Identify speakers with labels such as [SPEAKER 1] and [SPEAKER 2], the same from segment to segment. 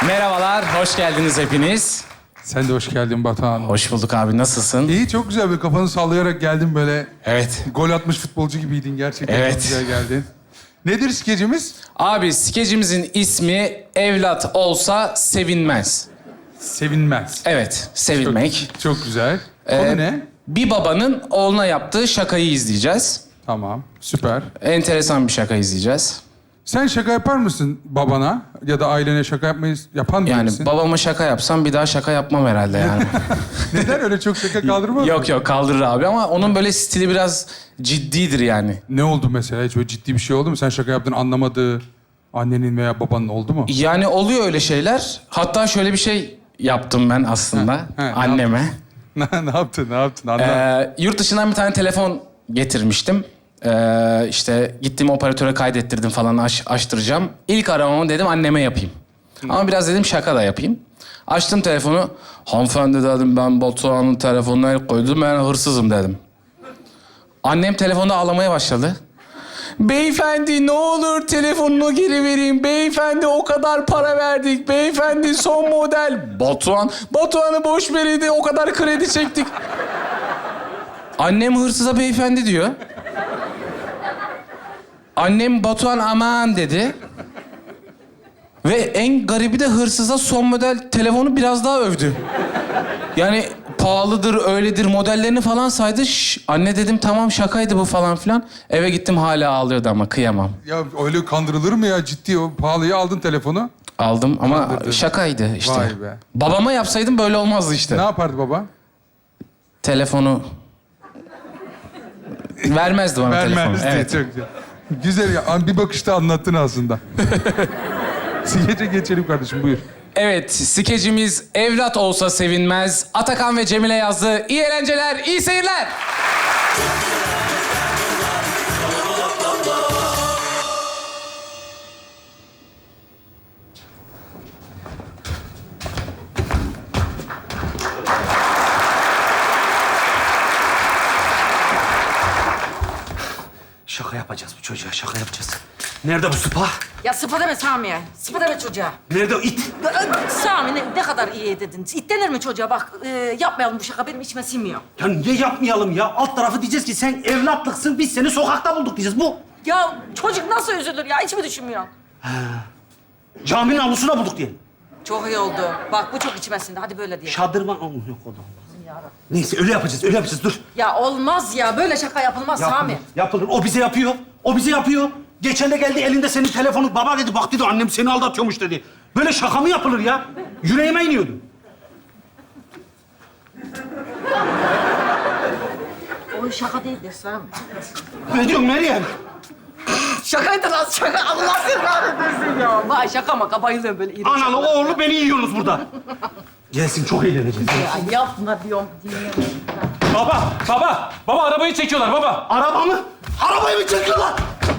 [SPEAKER 1] Merhabalar, hoş geldiniz hepiniz.
[SPEAKER 2] Sen de hoş geldin Batuhan.
[SPEAKER 1] Hoş bulduk abi, nasılsın?
[SPEAKER 2] İyi, çok güzel. Böyle kafanı sallayarak geldin böyle.
[SPEAKER 1] Evet.
[SPEAKER 2] Gol atmış futbolcu gibiydin gerçekten.
[SPEAKER 1] Evet.
[SPEAKER 2] Çok güzel geldin. Nedir skecimiz?
[SPEAKER 1] Abi, skecimizin ismi Evlat Olsa Sevinmez.
[SPEAKER 2] Sevinmez.
[SPEAKER 1] Evet, sevilmek.
[SPEAKER 2] Çok güzel. Konu ne?
[SPEAKER 1] Bir babanın oğluna yaptığı şakayı izleyeceğiz.
[SPEAKER 2] Tamam, süper.
[SPEAKER 1] Enteresan bir şaka izleyeceğiz.
[SPEAKER 2] Sen şaka yapar mısın babana ya da ailene şaka yapmayı yapan
[SPEAKER 1] Yani
[SPEAKER 2] birisin?
[SPEAKER 1] babama şaka yapsam bir daha şaka yapmam herhalde yani.
[SPEAKER 2] Neden öyle çok şaka kaldırmaz mı?
[SPEAKER 1] Yok kaldırır abi ama onun böyle stili biraz ciddidir yani.
[SPEAKER 2] Ne oldu mesela? Hiç böyle ciddi bir şey oldu mu? Sen şaka yaptın anlamadığı annenin veya babanın oldu mu?
[SPEAKER 1] Yani oluyor öyle şeyler. Hatta şöyle bir şey yaptım ben aslında
[SPEAKER 2] ne
[SPEAKER 1] anneme.
[SPEAKER 2] Ne yaptın? Ne yaptın? Anlat.
[SPEAKER 1] Yurt dışından bir tane telefon getirmiştim. İşte gittim operatöre kaydettirdim falan açtıracağım. İlk aramamı dedim anneme yapayım. Ama biraz dedim şaka da yapayım. Açtım telefonu. Hanımefendi dedim, ben Batuhan'ın telefonuna el koydum, ben hırsızım dedim. Annem telefonda ağlamaya başladı. Beyefendi ne olur telefonunu geri verin. Beyefendi o kadar para verdik. Beyefendi son model. Batuhan'ı boş verin, o kadar kredi çektik. Annem hırsıza beyefendi diyor. Annem Batuhan aman dedi. Ve en garibi de hırsıza son model telefonu biraz daha övdü. Yani pahalıdır, öyledir modellerini falan saydı. Anne dedim tamam şakaydı bu falan filan. Eve gittim hala ağlıyordu ama kıyamam.
[SPEAKER 2] Ya öyle kandırılır mı ya? Ciddi o pahalıyı aldın telefonu.
[SPEAKER 1] Aldım ama
[SPEAKER 2] Kandırdın.
[SPEAKER 1] şakaydı işte.
[SPEAKER 2] Vay be.
[SPEAKER 1] Babama yapsaydım böyle olmazdı işte.
[SPEAKER 2] Ne yapardı baba?
[SPEAKER 1] Telefonu... Vermezdi bana telefonu.
[SPEAKER 2] Vermezdi.
[SPEAKER 1] Evet.
[SPEAKER 2] Çok güzel. Güzel ya. Bir bakışta anlattın aslında. Skece geçelim kardeşim, buyur.
[SPEAKER 1] Evet, skecimiz Evlat Olsa Sevinmez. Atakan ve Cemile yazdı. İyi eğlenceler, iyi seyirler.
[SPEAKER 3] Şaka yapacağız bu çocuğa, şaka yapacağız. Nerede bu sıpa?
[SPEAKER 4] Ya sıpa deme Sami'ye. Sıpa deme çocuğa.
[SPEAKER 3] Nerede o it?
[SPEAKER 4] Sami ne kadar iyi dedin. İt denir mi çocuğa? Bak yapmayalım bu şaka, benim içime sinmiyor.
[SPEAKER 3] Ya niye yapmayalım ya? Alt tarafı diyeceğiz ki sen evlatlıksın, biz seni sokakta bulduk diyeceğiz. Bu.
[SPEAKER 4] Ya çocuk nasıl üzülür ya? Hiç mi düşünmüyor?
[SPEAKER 3] Caminin avlusuna bulduk diyelim.
[SPEAKER 4] Çok iyi oldu. Bak bu çok içime sindi. Hadi böyle diyelim.
[SPEAKER 3] Şadırvan... Oh, yok o da olmaz. Neyse öyle yapacağız, dur.
[SPEAKER 4] Ya olmaz ya. Böyle şaka yapılmaz Sami.
[SPEAKER 3] Yapılır. O bize yapıyor. Geçen de geldi elinde senin telefonu. Baba dedi, bak dedi annem seni aldatıyormuş dedi. Böyle şaka mı yapılır ya? Yüreğime iniyordu.
[SPEAKER 4] O şaka değildir Sami.
[SPEAKER 3] Ne diyorsun Meryem?
[SPEAKER 4] Şakaydı lan şaka. Allah seni kahretmesin ya. Vay şaka maka bayılıyorum böyle iri
[SPEAKER 3] Analı oğlu beni yiyorsunuz burada. Gelsin, çok eğleneceğiz.
[SPEAKER 4] Ya yapma diyorum. Dinliyorum.
[SPEAKER 5] Baba arabayı çekiyorlar baba.
[SPEAKER 3] Araba mı? Arabayı mı çekiyorlar?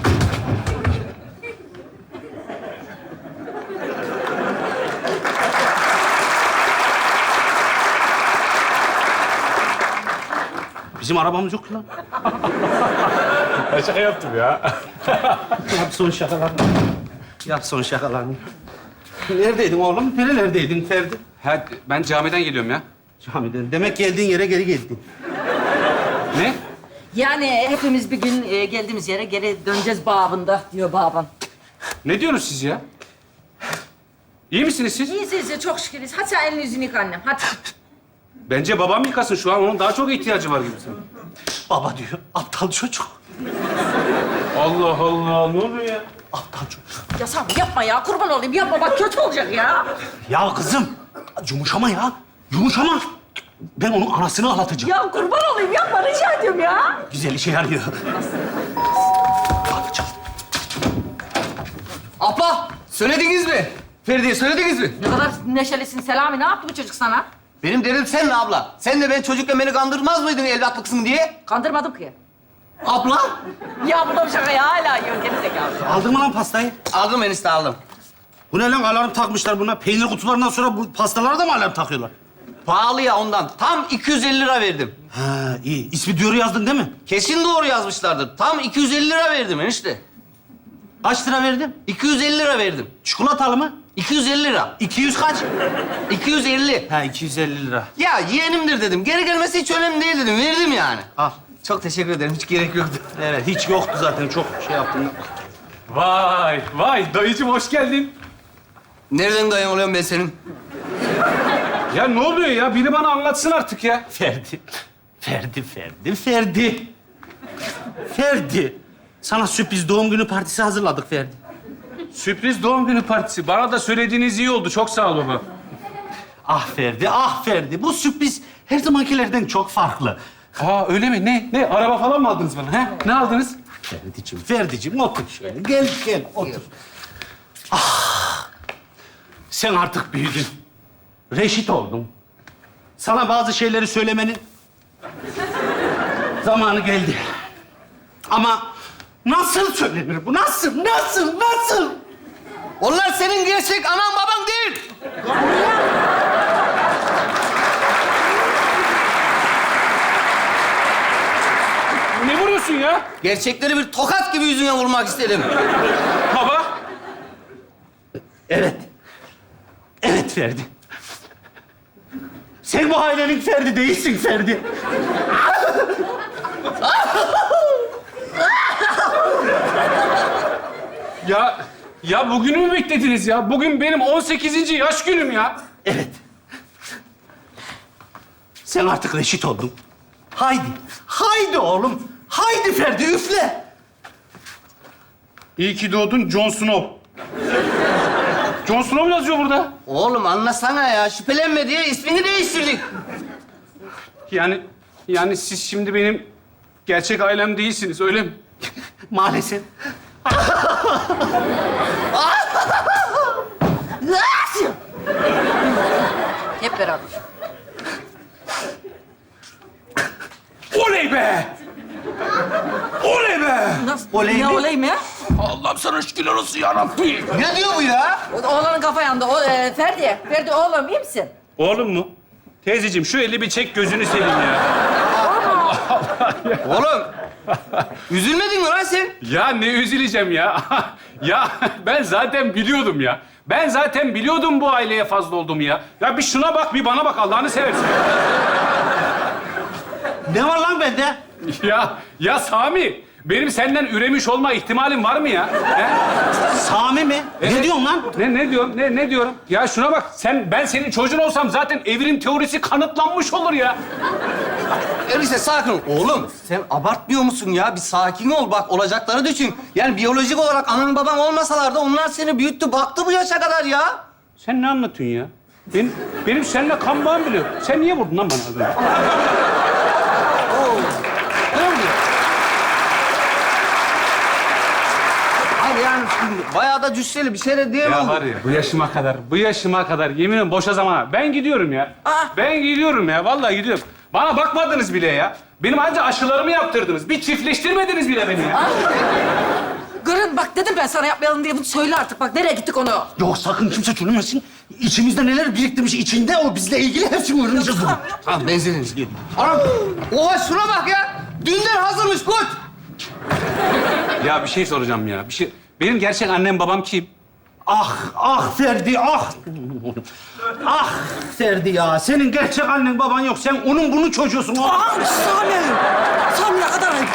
[SPEAKER 3] Bizim arabamız yok lan.
[SPEAKER 5] Ben şaka yaptım ya.
[SPEAKER 3] Yap son şakalarını. Yap son şakalarını. Neredeydin oğlum? Nerelerdeydin Ferdi?
[SPEAKER 5] Ha, ben camiden geliyorum ya.
[SPEAKER 3] Camiden. Demek geldiğin yere geri geldin.
[SPEAKER 5] Ne?
[SPEAKER 4] Yani hepimiz bir gün geldiğimiz yere geri döneceğiz babında diyor babam.
[SPEAKER 5] Ne diyorsunuz siz ya? İyi misiniz siz?
[SPEAKER 4] İyiyiz çok şükürüz. Hadi sen elini yüzünü yıka annem. Hadi.
[SPEAKER 5] Bence babam yıkasın şu an. Onun daha çok ihtiyacı var gibi sanırım.
[SPEAKER 3] Baba diyor, aptal çocuk.
[SPEAKER 5] Allah Allah, ne oluyor ya?
[SPEAKER 3] Aptal çocuk.
[SPEAKER 4] Ya Sami yapma ya. Kurban olayım. Yapma bak kötü olacak ya.
[SPEAKER 3] Ya kızım, yumuşama ya. Yumuşama. Ben onun anasını ağlatacağım.
[SPEAKER 4] Ya kurban olayım. Yapma rica ediyorum ya.
[SPEAKER 3] Güzel işe yarıyor. Kapı çal.
[SPEAKER 6] Abla, söylediniz mi? Feride'ye söylediniz mi?
[SPEAKER 4] Ne kadar neşelisin Selami. Ne yaptı bu çocuk sana?
[SPEAKER 6] Benim dedim sen abla. Sen de ben çocukken beni kandırmaz mıydın evlatlıksın diye?
[SPEAKER 4] Kandırmadım ki.
[SPEAKER 6] Abla.
[SPEAKER 4] Ya bu da bir şaka ya. Hala yiyor. Geri zekalı.
[SPEAKER 3] Aldın mı lan pastayı?
[SPEAKER 6] Aldım enişte aldım.
[SPEAKER 3] Bu ne lan? Alarm takmışlar buna. Peynir kutularından sonra bu pastalara da mı alarm takıyorlar?
[SPEAKER 6] Pahalı ya ondan. Tam 250 lira verdim.
[SPEAKER 3] Ha iyi. İsmi diyoru yazdın değil mi?
[SPEAKER 6] Kesin doğru yazmışlardır. Tam 250 lira verdim enişte.
[SPEAKER 3] Kaç lira verdin?
[SPEAKER 6] 250 lira verdim.
[SPEAKER 3] Çikolatalı mı?
[SPEAKER 6] 250 lira.
[SPEAKER 3] 200 kaç?
[SPEAKER 6] 250.
[SPEAKER 3] Ha 250 lira.
[SPEAKER 6] Ya yeğenimdir dedim. Geri gelmesi hiç önemli değil dedim. Verdim yani.
[SPEAKER 3] Al.
[SPEAKER 6] Çok teşekkür ederim. Hiç gerek yoktu.
[SPEAKER 3] Evet hiç yoktu zaten çok şey yaptım.
[SPEAKER 5] Vay, vay dayıcım hoş geldin.
[SPEAKER 6] Nereden dayım oluyorum ben senin?
[SPEAKER 5] Ya ne oluyor ya? Biri bana anlatsın artık ya.
[SPEAKER 3] Ferdi. Ferdi. Sana sürpriz doğum günü partisi hazırladık Ferdi.
[SPEAKER 5] Sürpriz doğum günü partisi. Bana da söylediğiniz iyi oldu. Çok sağ ol baba.
[SPEAKER 3] Ah Ferdi, ah Ferdi. Bu sürpriz her zamankilerden çok farklı.
[SPEAKER 5] Aa öyle mi? Ne? Araba falan mı aldınız bana? He? Ne aldınız?
[SPEAKER 3] Ferdi'cim otur şöyle. Gel otur. Ah, sen artık büyüdün. Reşit oldun. Sana bazı şeyleri söylemenin zamanı geldi. Ama nasıl söylenir bu? Nasıl?
[SPEAKER 6] Onlar senin gerçek anan baban değil.
[SPEAKER 5] Ne vuruyorsun ya?
[SPEAKER 6] Gerçekleri bir tokat gibi yüzüne vurmak istedim.
[SPEAKER 5] Baba.
[SPEAKER 3] Evet. Evet Ferdi. Sen bu ailenin Ferdi değilsin Ferdi.
[SPEAKER 5] Ya bugünü mü beklediniz ya? Bugün benim 18. yaş günüm ya.
[SPEAKER 3] Evet. Sen artık reşit oldun. Haydi oğlum. Haydi Ferdi üfle.
[SPEAKER 5] İyi ki doğdun Jon Snow. Jon Snow yazıyor burada.
[SPEAKER 6] Oğlum anlasana ya. Şüphelenme diye ismini değiştirdik.
[SPEAKER 5] Yani siz şimdi benim gerçek ailem değilsiniz, öyle mi?
[SPEAKER 3] Maalesef.
[SPEAKER 4] Hep beraber.
[SPEAKER 5] Oley be! Oley be!
[SPEAKER 4] Nasıl?
[SPEAKER 3] Oley
[SPEAKER 4] ne
[SPEAKER 3] mi?
[SPEAKER 4] oley mi?
[SPEAKER 5] Allah'ım sana şükürler olsun ya Rabbi.
[SPEAKER 6] Ne diyor bu ya?
[SPEAKER 4] Oğlanın kafa yandı. Ferdi oğlum iyi misin?
[SPEAKER 5] Oğlum mu? Teyzeciğim şu eli bir çek gözünü seveyim ya.
[SPEAKER 6] Oğlum. Üzülmedin mi lan sen?
[SPEAKER 5] Ya ne üzüleceğim ya. Ya ben zaten biliyordum ya. Ben zaten biliyordum bu aileye fazla olduğumu ya. Ya bir şuna bak, bir bana bak Allah'ını seversen.
[SPEAKER 3] Ne var lan bende?
[SPEAKER 5] Ya Sami, benim senden üremiş olma ihtimalim var mı ya? He?
[SPEAKER 3] Sami mi? Ne diyorsun lan?
[SPEAKER 5] Ne diyorum? Ne diyorum? Ya şuna bak, ben senin çocuğun olsam zaten evrim teorisi kanıtlanmış olur ya.
[SPEAKER 6] Enişte sakin ol. Oğlum sen abartmıyor musun ya? Bir sakin ol bak olacakları düşün. Yani biyolojik olarak anan baban olmasalar da onlar seni büyüttü, baktı bu yaşa kadar ya.
[SPEAKER 5] Sen ne anlatıyorsun ya? Benim seninle kan bağım bile yok. Sen niye vurdun lan bana az önce?
[SPEAKER 6] Ne oluyor? Hayır yani bayağı da cüsseli bir şeyler diyemem.
[SPEAKER 5] Ya var ya, bu yaşıma kadar yemin ederim boşa zamana. Ben gidiyorum ya. Ben gidiyorum ya, vallahi gidiyorum. Bana bakmadınız bile ya. Benim anca aşılarımı yaptırdınız. Bir çiftleştirmediniz bile beni ya.
[SPEAKER 4] Gırın bak dedim ben sana yapmayalım diye. Bunu söyle artık bak. Nereye gittik onu?
[SPEAKER 3] Yok sakın kimse söylemesin. İçimizde neler biriktirmiş içinde o bizle ilgili hepsini öğreneceğiz bugün.
[SPEAKER 6] Tamam benzininiz gelin. Anam, oha şuna bak ya. Dünden hazırmış koç.
[SPEAKER 5] Ya bir şey soracağım ya. Benim gerçek annem babam kim?
[SPEAKER 3] Ah Ferdi ah. Ah Ferdi ya. Senin gerçek annen baban yok. Sen onun bunun çocuğusun.
[SPEAKER 4] Aa Sami ne kadar ayıp.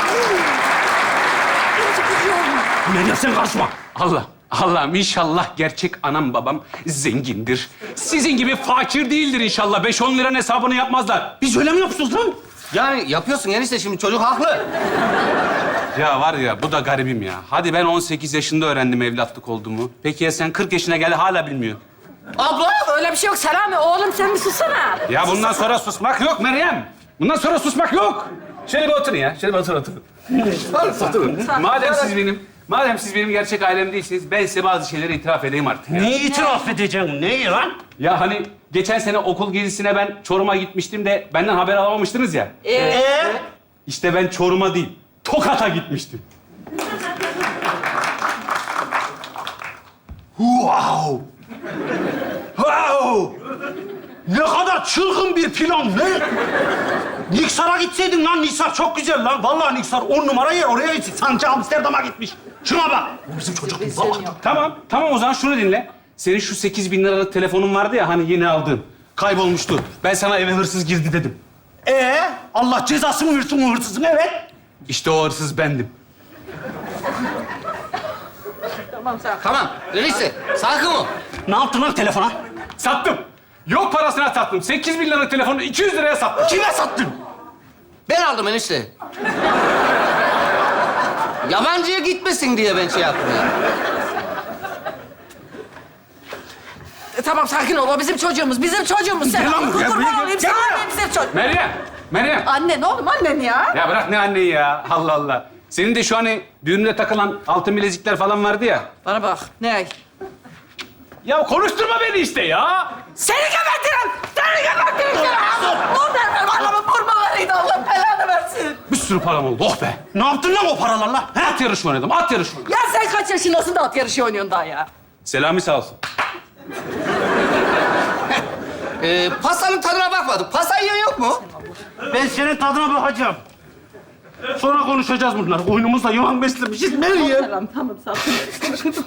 [SPEAKER 3] Meryem sen karışma.
[SPEAKER 5] Allah'ım inşallah gerçek anam babam zengindir. Sizin gibi fakir değildir inşallah. 5-10 liranın hesabını yapmazlar.
[SPEAKER 3] Biz öyle mi yapıyoruz lan?
[SPEAKER 6] Yani yapıyorsun enişte şimdi çocuk haklı.
[SPEAKER 5] Ya var ya, bu da garibim ya. Hadi ben 18 yaşında öğrendim evlatlık olduğumu. Peki ya sen 40 yaşına geldi hala bilmiyor.
[SPEAKER 6] Abla.
[SPEAKER 4] Öyle bir şey yok Selami. Oğlum sen bir sussana.
[SPEAKER 5] Ya bundan sonra susmak yok Meryem. Bundan sonra susmak yok. Şöyle bir oturun ya. Şöyle bir oturun. Oturun. Madem siz benim gerçek ailem değilsiniz, ben size bazı şeyleri itiraf edeyim artık ya.
[SPEAKER 3] Neyi itiraf edeceksin? Neyi lan?
[SPEAKER 5] Ya hani geçen sene okul gezisine ben Çorum'a gitmiştim de benden haber alamamıştınız ya. İşte ben Çorum'a değil, Tokat'a gitmiştim.
[SPEAKER 3] Wow! Ne kadar çılgın bir plan, ne? Niksar'a gitseydin lan, Niksar çok güzel lan. Vallahi Niksar 10 numara yer, oraya gitsin. Sanki Amsterdam'a gitmiş. Şuna bak. Bu bizim çocuk değil, baba.
[SPEAKER 5] Tamam o zaman şunu dinle. Senin şu 8.000 liralık telefonun vardı ya hani yeni aldın. Kaybolmuştu. Ben sana eve hırsız girdi dedim.
[SPEAKER 3] Allah cezasını versin o hırsızın, evet.
[SPEAKER 5] İşte o hırsız bendim.
[SPEAKER 6] Tamam, öyleyse sakin ol.
[SPEAKER 3] Ne yaptın lan telefona?
[SPEAKER 5] Sattım. Yok parasına sattım. 8.000 liralık telefonu 200 liraya sattım.
[SPEAKER 3] Kime sattın?
[SPEAKER 6] Ben aldım enişte. Yabancıya gitmesin diye ben şey yaptım ya.
[SPEAKER 4] Tamam sakin ol. O bizim çocuğumuz. Bizim çocuğumuz. Sen
[SPEAKER 3] Gel lan buraya,
[SPEAKER 4] kurban
[SPEAKER 3] buraya,
[SPEAKER 4] olayım.
[SPEAKER 3] gel
[SPEAKER 4] Sana
[SPEAKER 3] buraya.
[SPEAKER 4] bizim çocuk.
[SPEAKER 5] Meryem.
[SPEAKER 4] Annen oğlum annen ya.
[SPEAKER 5] Ya bırak ne anneyi ya. Allah Allah. Senin de şu hani düğünde takılan altın bilezikler falan vardı ya.
[SPEAKER 4] Bana bak. Ne?
[SPEAKER 5] Ya konuşturma beni işte ya.
[SPEAKER 4] Seni gebertirim! Seni gebertirim! Vur derler bana vurmalarıydı. Allah belanı versin.
[SPEAKER 5] Bir sürü param oldu. Oh be.
[SPEAKER 3] Ne yaptın lan o paralarla? He?
[SPEAKER 5] At yarışı oynadım. At yarışı oynadım.
[SPEAKER 4] Ya sen kaç yaşındasın da at yarışı oynuyorsun daha ya?
[SPEAKER 5] Selami sağ olsun.
[SPEAKER 6] Pastanın tadına bakmadık. Pasta yiyen yok mu?
[SPEAKER 3] Ben senin tadına bakacağım. Sonra konuşacağız bunlar. Oyunumuzda yılan beslemişiz. Meryem.
[SPEAKER 4] Tamam sakin.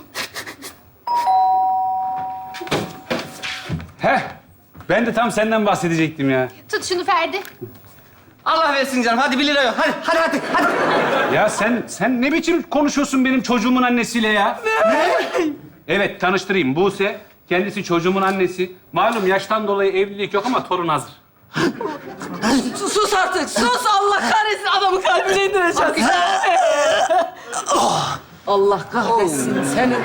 [SPEAKER 5] Heh. Ben de tam senden bahsedecektim ya.
[SPEAKER 7] Tut şunu Ferdi.
[SPEAKER 6] Allah versin canım. Hadi 1 lira yok. Hadi.
[SPEAKER 5] Ya sen ne biçim konuşuyorsun benim çocuğumun annesiyle ya? Ne? Evet, tanıştırayım. Buse, kendisi çocuğumun annesi. Malum yaştan dolayı evlilik yok ama torun hazır.
[SPEAKER 4] Sus artık. Sus Allah kahretsin. Adamı kalbine indireceğiz. Allah kahretsin seni.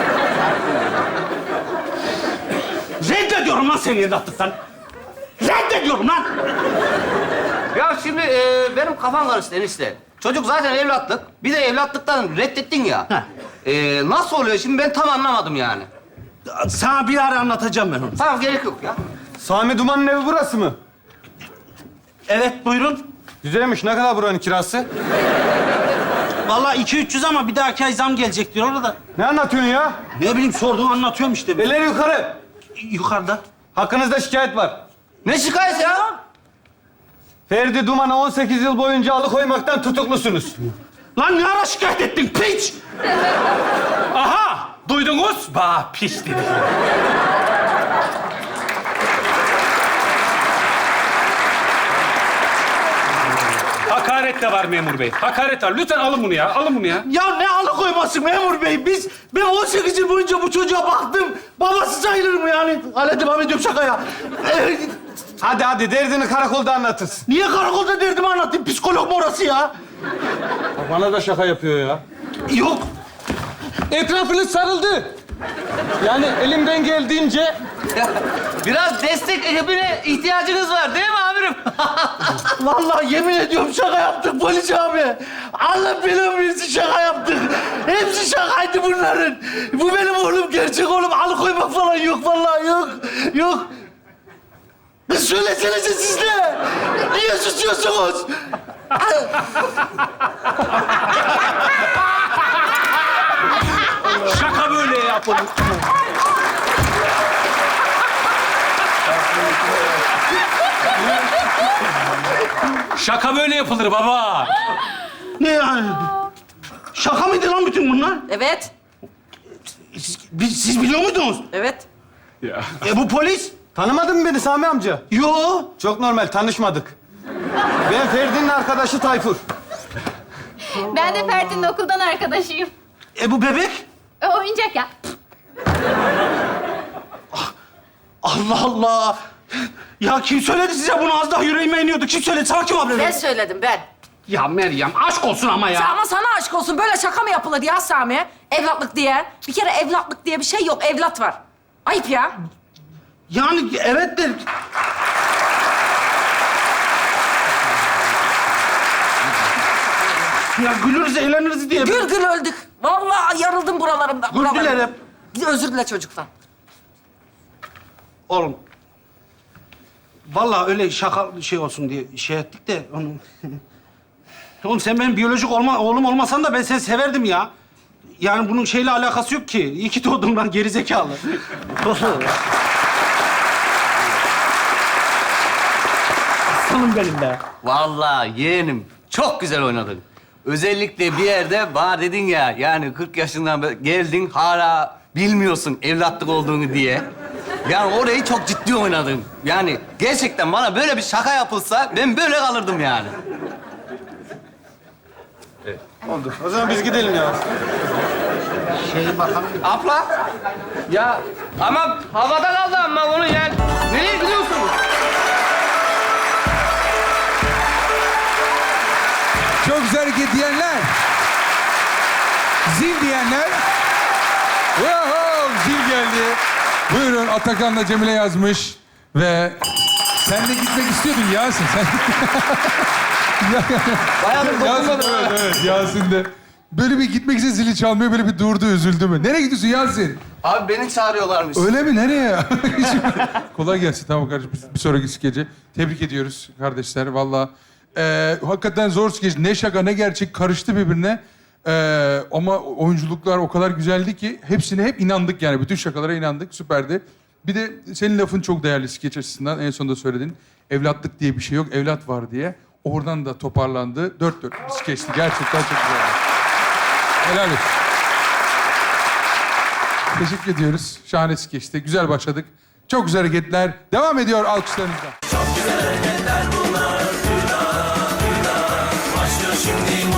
[SPEAKER 3] Reddediyorum lan seni evlatlıktan. Reddediyorum lan.
[SPEAKER 6] Ya şimdi benim kafam karıştı enişte. Çocuk zaten evlatlık. Bir de evlatlıktan reddettin ya. Nasıl oluyor şimdi ben tam anlamadım yani.
[SPEAKER 3] Sana bir ara anlatacağım ben onu.
[SPEAKER 6] Tamam gerek yok ya.
[SPEAKER 8] Sami Duman'ın evi burası mı?
[SPEAKER 3] Evet buyurun.
[SPEAKER 8] Güzelmiş. Ne kadar buranın kirası?
[SPEAKER 3] Vallahi 200-300 ama bir dahaki ay zam gelecek diyor orada.
[SPEAKER 8] Ne anlatıyorsun ya?
[SPEAKER 3] Ne bileyim sorduğumu anlatıyorum işte.
[SPEAKER 8] Eller yukarı.
[SPEAKER 3] Yukarıda.
[SPEAKER 8] Hakkınızda şikayet var.
[SPEAKER 6] Ne şikayet ya?
[SPEAKER 8] Ferdi Duman'ı 18 yıl boyunca alıkoymaktan tutuklusunuz.
[SPEAKER 3] Lan ne ara şikayet ettin piç?
[SPEAKER 5] Aha! Duydunuz? Bah, piş dedi. Hakaret de var memur bey. Hakaret var. Lütfen alın bunu ya. Alın bunu ya.
[SPEAKER 3] Ya ne alıkoyması memur bey? Ben 18 yıl boyunca bu çocuğa baktım. Babası sayılırım yani. Hala devam ediyorum şakaya.
[SPEAKER 8] Hadi derdini karakolda anlatırsın.
[SPEAKER 3] Niye karakolda derdimi anlatayım? Psikolog mu orası ya?
[SPEAKER 8] Bana da şaka yapıyor ya.
[SPEAKER 3] Yok.
[SPEAKER 8] Etrafınız sarıldı. Yani elimden geldiğince...
[SPEAKER 6] Biraz destek ekibine ihtiyacınız var değil mi amirim?
[SPEAKER 3] Vallahi yemin ediyorum şaka yaptık polis abi. Allah belamı versin şaka yaptık. Hepsi şakaydı bunların. Bu benim oğlum, gerçek oğlum. Alıkoymak falan yok vallahi yok. Yok. Kız söylesenize siz de. Niye susuyorsunuz?
[SPEAKER 5] Şaka böyle yapılır. Şaka böyle yapılır baba.
[SPEAKER 3] Ne yani? Şaka mıydı lan bütün bunlar?
[SPEAKER 4] Evet.
[SPEAKER 3] Siz biliyor muydunuz?
[SPEAKER 4] Evet.
[SPEAKER 5] Ya.
[SPEAKER 3] Bu polis?
[SPEAKER 8] Tanımadın mı beni Sami amca?
[SPEAKER 3] Yo.
[SPEAKER 8] Çok normal, tanışmadık. Ben Ferdi'nin arkadaşı Tayfur.
[SPEAKER 7] Ben de Ferdi'nin okuldan arkadaşıyım.
[SPEAKER 3] Bu bebek?
[SPEAKER 7] Oyuncak ya.
[SPEAKER 3] Allah Allah. Ya kim söyledi size bunu? Az daha yüreğime iniyordu. Kim söyledi? Sana kim haber
[SPEAKER 4] Ben
[SPEAKER 3] verdi?
[SPEAKER 4] söyledim ben.
[SPEAKER 3] Ya Meryem aşk olsun ama ya.
[SPEAKER 4] Ama sana aşk olsun. Böyle şaka mı yapılır ya Sami? Evlatlık diye. Bir kere evlatlık diye bir şey yok. Evlat var. Ayıp ya.
[SPEAKER 3] Yani evet de... Ya gülürüz, eğleniriz diye.
[SPEAKER 4] Gül gül öldük. Vallahi yarıldım buralarımda.
[SPEAKER 3] Gül dilerim.
[SPEAKER 4] Özür dile çocuktan.
[SPEAKER 3] Oğlum. Vallahi öyle şaka şey olsun diye şey ettik de onu... Oğlum sen benim biyolojik oğlum olmasan da ben seni severdim ya. Yani bunun şeyle alakası yok ki. İyi ki doğdum lan gerizekalı. Aslanım benim be.
[SPEAKER 6] Vallahi yeğenim çok güzel oynadın. Özellikle bir yerde bana dedin ya yani 40 yaşından geldin hala bilmiyorsun evlatlık olduğunu diye. Yani orayı çok ciddi oynadım. Yani gerçekten bana böyle bir şaka yapılsa ben böyle kalırdım yani.
[SPEAKER 8] Oldu. O zaman biz gidelim ya.
[SPEAKER 6] Abla. Ya ama havada kaldı ama onu yani. Nereye gidiyorsunuz?
[SPEAKER 2] Çok güzel hareket diyenler. Zil diyenler. Wow, zil geldi. Buyurun, Atakan'la Cemile yazmış. Ve sen de gitmek istiyordun Yasin. Sen...
[SPEAKER 6] Bayağıdır
[SPEAKER 2] Yasin,
[SPEAKER 6] dokunmadım.
[SPEAKER 2] evet, Yasin de. Böyle bir gitmek için zili çalmıyor, böyle bir durdu, üzüldü mü? Nereye gidiyorsun Yasin?
[SPEAKER 6] Abi beni çağırıyorlarmış.
[SPEAKER 2] Öyle mi? Nereye? Kolay gelsin. Tamam kardeşim. Bir sonraki skece. Tebrik ediyoruz kardeşler. Vallahi hakikaten zor skeç. Ne şaka ne gerçek karıştı birbirine. Ama oyunculuklar o kadar güzeldi ki hepsine hep inandık yani. Bütün şakalara inandık. Süperdi. Bir de senin lafın çok değerli skeç açısından. En sonunda söyledin. Evlatlık diye bir şey yok. Evlat var diye. Oradan da toparlandı. Dört bir skeçti. Gerçekten çok güzeldi. Helal olsun. Teşekkür ediyoruz. Şahane skeçti. Güzel başladık. Çok güzel hareketler. Devam ediyor alkışlarınızla.
[SPEAKER 9] Çok güzel hareketler bunlar. Başlıyor şimdi.